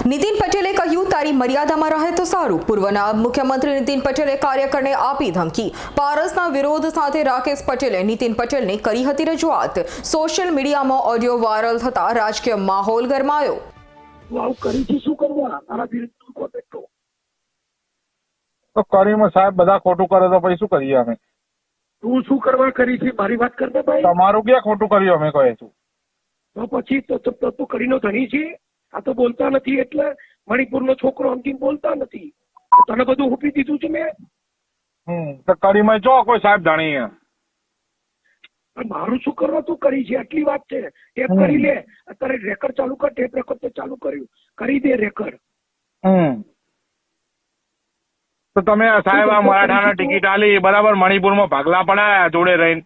નીતિન પટેલે કહ્યું, તારી મર્યાદામાં રહે તો સારું. પૂર્વ નાયબ મુખ્યમંત્રી નીતિન પટેલે કાર્યકરને આપી ધમકી. પારસના વિરોધ સાથે રાકેશ પટેલે નીતિન પટેલને કરી હતી રજૂઆત. સોશિયલ મીડિયામાં ઓડિયો વાયરલ થતા રાજકીય માહોલ ગરમાયો. આવું કરી છે શું કરવા? તારા વિરુદ્ધ કોટેક્ટ તો કરીમાં સાહેબ બધા ખોટું કરે તો પછી શું કરીએ અમે? તું શું કરવા કરી છે મારી વાત કરતા ભાઈ. તમારું ક્યાં ખોટું કર્યું અમે કહે છું? તો પછી તો કરીનો ધણી છે. આ તો બોલતા નથી એટલે મણિપુરનો છોકરો અંતિમ બોલતા નથી. તને બધું હુપી દીધું છે મેં. તો કરીમાં જો કોઈ સાહેબ જાણીએ મારું શું કરવા તું કરી છે આટલી વાત છે. ટેપ કરી લે અત્યારે રેકર્ડ ચાલુ કર. ટેપ રેકર્ડ તો ચાલુ કર્યું કરી દે રેકર્ડ. તો તમે સાહેબ આ મરાઠાના ટિકિટ આલી બરાબર, મણિપુરમાં ભાગલા પડાયા જોડે રહીને.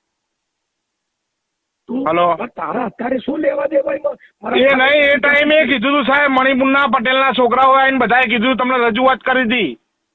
હલો, તારા અત્યારે શું લેવા દે ભાઈ? એ નહીં, એ ટાઈમે કીધું તું સાહેબ, મણિપુરના પટેલના છોકરાઓ આવીને બધાએ કીધું, તમને રજૂઆત કરી હતી.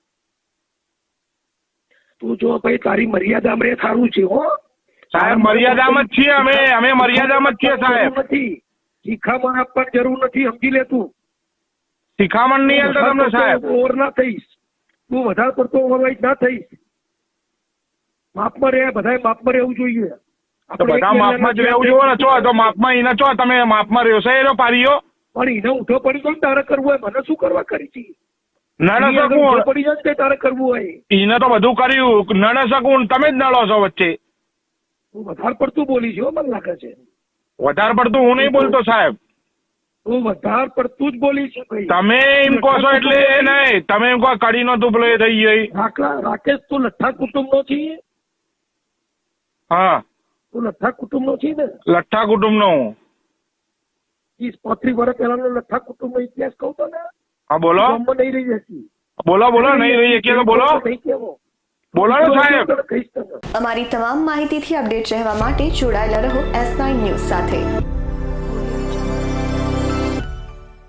તું જો ભાઈ તારી મર્યાદામાં રે સારું છે હો સાહેબ. મર્યાદામાં જ છીએ અમે મર્યાદામાં જ છીએ સાહેબ. નથી શિખામણ આપવાની જરૂર નથી, સમજી લે તું. શિખામણ નહીં આવતો તમને સાહેબ. ઓવર ના થઈશ તું, વધારે પડતો ઓવરવાઇઝ ના થઈશ. માપમાં રહે, બધાએ માપમાં રહેવું જોઈએ. તો બધા માપમાં જ રહેવું જોઈએ ને. ચો તો માપમાં એને ચો તમે માપમાં રહ્યો છે એનો પારીઓ. પણ એને ઊંધો પડી તો તારે કરવું હોય. મને શું કરવા કરી છે? નડે શકું પડી જાય ને તારે કરવું હોય. એને તો બધું કર્યું. નડે શકું તમે જ નડો છો વચ્ચે. તું વધારે પડતું બોલી છે મને લાગે છે. વધારે પડતું હું નહીં બોલતો સાહેબ. તું વધારે પડતું જ બોલી છે ભાઈ. તમે એમ કહો છો એટલે એ નહીં. તમે એમ કહો કડીનો તું પેલો એ થઈ ગઈ. રાકેશ તું લઠ્ઠા કુટુંબનો છે. હા, તું લઠ્ઠા કુટુંબનો છે ને? લઠ્ઠા કુટુંબનો હું. 30-35 વર્ષ પહેલાનો લઠ્ઠા કુટુંબનો ઇતિહાસ કહું તો ને. હા બોલો નહીં રહી જતી. બોલો નહીં રહી કે બોલો નહીં કેવો બોલો ને સાહેબ. અમારી તમામ માહિતીથી અપડેટ રહેવા માટે જોડાયેલા રહો S9 ન્યૂઝ સાથે.